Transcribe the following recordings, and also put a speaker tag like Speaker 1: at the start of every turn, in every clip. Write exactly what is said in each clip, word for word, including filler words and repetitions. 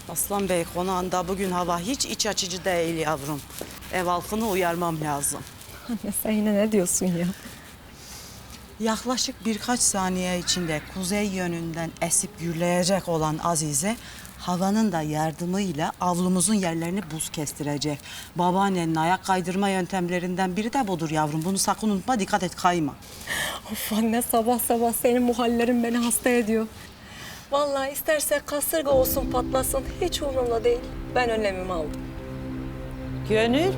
Speaker 1: Aslan Bey konağında bugün hava hiç iç açıcı değil yavrum. Ev halkını uyarmam lazım.
Speaker 2: Anne sen yine ne diyorsun ya?
Speaker 1: Yaklaşık birkaç saniye içinde kuzey yönünden esip gürleyecek olan Azize, havanın da yardımıyla avlumuzun yerlerini buz kestirecek. Babaannenin ayak kaydırma yöntemlerinden biri de budur yavrum. Bunu sakın unutma, dikkat et, kayma.
Speaker 2: Of anne sabah sabah senin bu hallerin beni hasta ediyor. Vallahi isterse kasırga olsun patlasın hiç umurumda değil. Ben önlemimi aldım.
Speaker 1: Gönül.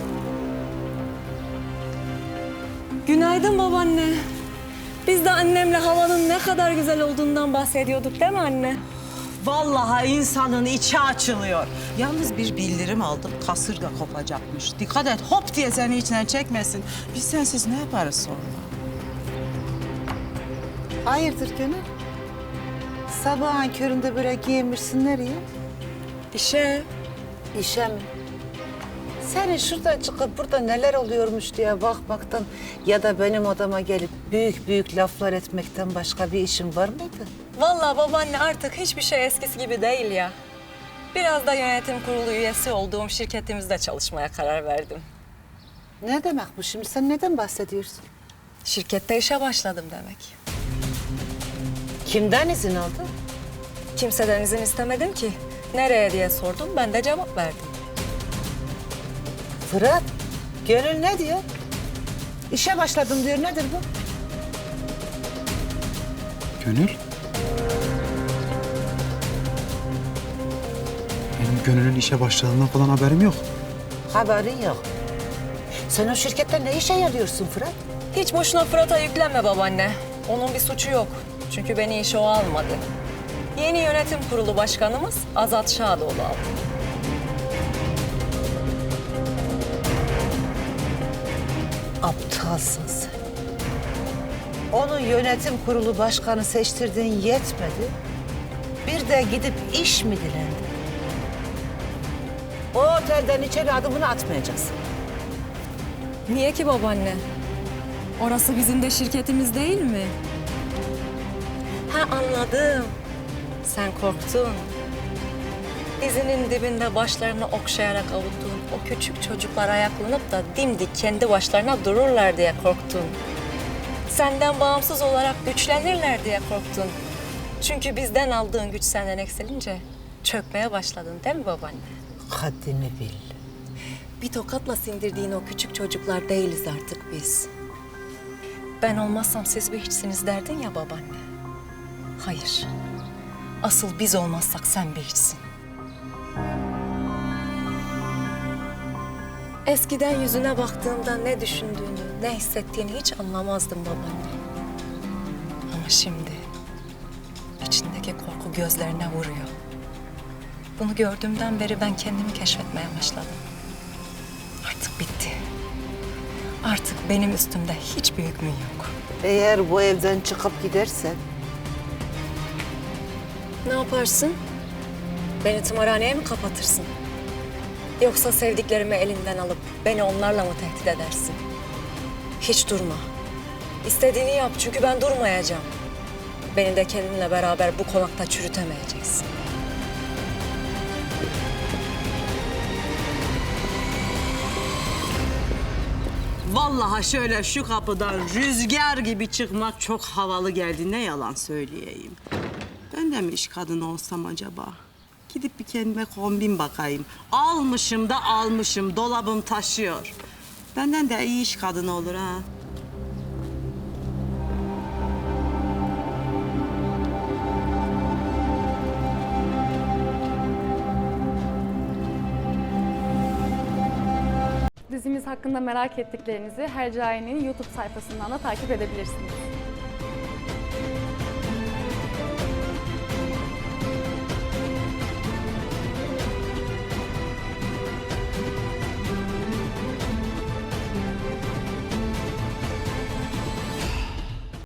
Speaker 2: Günaydın babaanne. Biz de annemle havanın ne kadar güzel olduğundan bahsediyorduk değil mi anne?
Speaker 1: Vallahi insanın içi açılıyor. Yalnız bir bildirim aldım, kasırga kopacakmış. Dikkat et, hop diye seni içine çekmesin. Biz sensiz ne yaparız sonra?
Speaker 3: Hayırdır Gönül? Sabahın köründe böyle giyinmişsin nereye?
Speaker 2: İşe.
Speaker 3: İşe mi? Senin şurada çıkıp burada neler oluyormuş diye bakmaktan ya da benim odama gelip büyük büyük laflar etmekten başka bir işin var mıydı?
Speaker 2: Vallahi babaanne artık hiçbir şey eskisi gibi değil ya. Biraz da yönetim kurulu üyesi olduğum şirketimizde çalışmaya karar verdim.
Speaker 3: Ne demek bu şimdi? Sen neden bahsediyorsun?
Speaker 2: Şirkette işe başladım demek.
Speaker 3: Kimden izin aldın?
Speaker 2: Kimseden izin istemedim ki. Nereye diye sordum, ben de cevap verdim.
Speaker 3: Fırat, Gönül ne diyor? İşe başladım diyor. Nedir bu?
Speaker 4: Gönül? Benim Gönül'ün işe başladığından falan haberim yok.
Speaker 3: Haberin yok. Sen o şirkette ne işe yarıyorsun Fırat?
Speaker 2: Hiç boşuna Fırat'a yüklenme babaanne. Onun bir suçu yok. Çünkü beni işe o almadı. Yeni yönetim kurulu başkanımız Azat Şadoğlu aldı.
Speaker 3: Aptalsın sen. Onu yönetim kurulu başkanı seçtirdiğin yetmedi. Bir de gidip iş mi dilendin? O otelden içeri adımını atmayacaksın.
Speaker 2: Niye ki babaanne? Orası bizim de şirketimiz değil mi? Ha anladım. Sen korktun. Dizinin dibinde başlarını okşayarak avuttuğun o küçük çocuklar ayaklanıp da dimdik kendi başlarına dururlar diye korktun. Senden bağımsız olarak güçlenirler diye korktun. Çünkü bizden aldığın güç senden eksilince çökmeye başladın değil mi babaanne?
Speaker 3: Haddini bil.
Speaker 2: Bir tokatla sindirdiğin o küçük çocuklar değiliz artık biz. Ben olmazsam siz bir hiçsiniz derdin ya babaanne. Hayır. Asıl biz olmazsak sen bir hiçsin. Eskiden yüzüne baktığımda ne düşündüğünü, ne hissettiğini hiç anlamazdım babaanne. Ama şimdi içindeki korku gözlerine vuruyor. Bunu gördüğümden beri ben kendimi keşfetmeye başladım. Artık bitti. Artık benim üstümde hiçbir hükmün yok.
Speaker 3: Eğer bu evden çıkıp gidersen
Speaker 2: Ne yaparsın? Beni tımarhaneye mi kapatırsın? Yoksa sevdiklerimi elinden alıp beni onlarla mı tehdit edersin? Hiç durma. İstediğini yap çünkü ben durmayacağım. Beni de kendinle beraber bu konakta çürütemeyeceksin.
Speaker 1: Vallahi şöyle şu kapıdan rüzgar gibi çıkmak çok havalı geldi. Ne yalan söyleyeyim. Ben de mi iş kadını olsam acaba? Gidip bir kendime kombin bakayım. Almışım da almışım. Dolabım taşıyor. Benden de iyi iş kadını olur ha.
Speaker 5: Dizimiz hakkında merak ettiklerinizi Hercai'nin YouTube sayfasından da takip edebilirsiniz.